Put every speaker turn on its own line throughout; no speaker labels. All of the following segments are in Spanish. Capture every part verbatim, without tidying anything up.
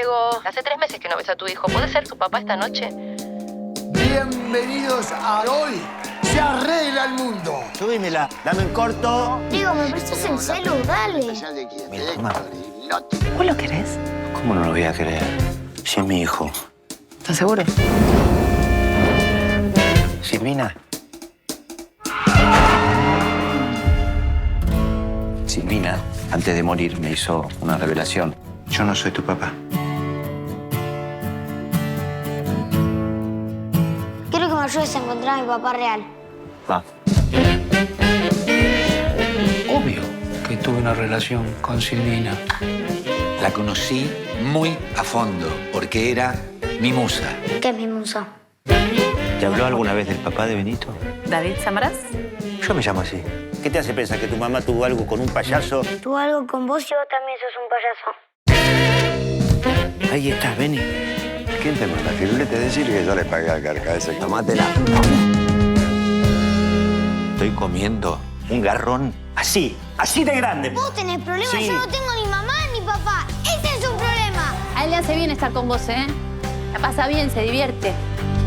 Diego, hace tres meses que no ves a tu hijo. ¿Puede ser su papá esta noche?
Bienvenidos a Hoy se arregla el mundo.
Subímela, dame en corto.
Diego, ¿me prestas el celu? Dale.
Mira, toma.
¿Vos lo querés?
¿Cómo no lo voy a querer? Si es mi hijo.
¿Estás seguro?
Silvina. Silvina, antes de morir, me hizo una revelación. Yo no soy tu papá.
Quiero que me ayudes a encontrar a mi papá real.
Va.
Obvio que tuve una relación con Silvina.
La conocí muy a fondo, porque era mi musa.
¿Qué es mi musa?
¿Te habló alguna vez del papá de Benito?
¿David Samaras?
Yo me llamo así. ¿Qué te hace pensar que tu mamá tuvo algo con un payaso?
Tuvo algo con vos y vos también sos un payaso.
Ahí estás, Beni.
¿Quién te manda? Firulete, decirle que yo le pagué al carca ese.
Tomátela. Estoy comiendo un garrón así, así de grande.
Vos tenés problemas,
Sí.
yo no tengo ni mamá ni papá. Ese es un problema.
A él le hace bien estar con vos, ¿eh? La pasa bien, se divierte.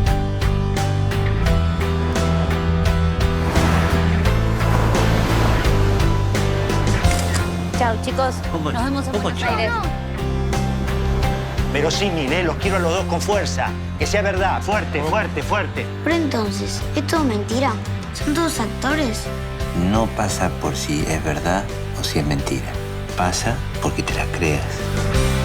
Chao, chicos.
¿Cómo?
Nos vemos en
¿Cómo
Buenos
chao?
Aires.
Pero sí, ¿eh? Los quiero a los dos con fuerza. Que sea verdad. Fuerte, fuerte, fuerte.
Pero entonces, ¿es todo mentira? ¿Son todos actores?
No pasa por si es verdad o si es mentira. Pasa porque te la creas.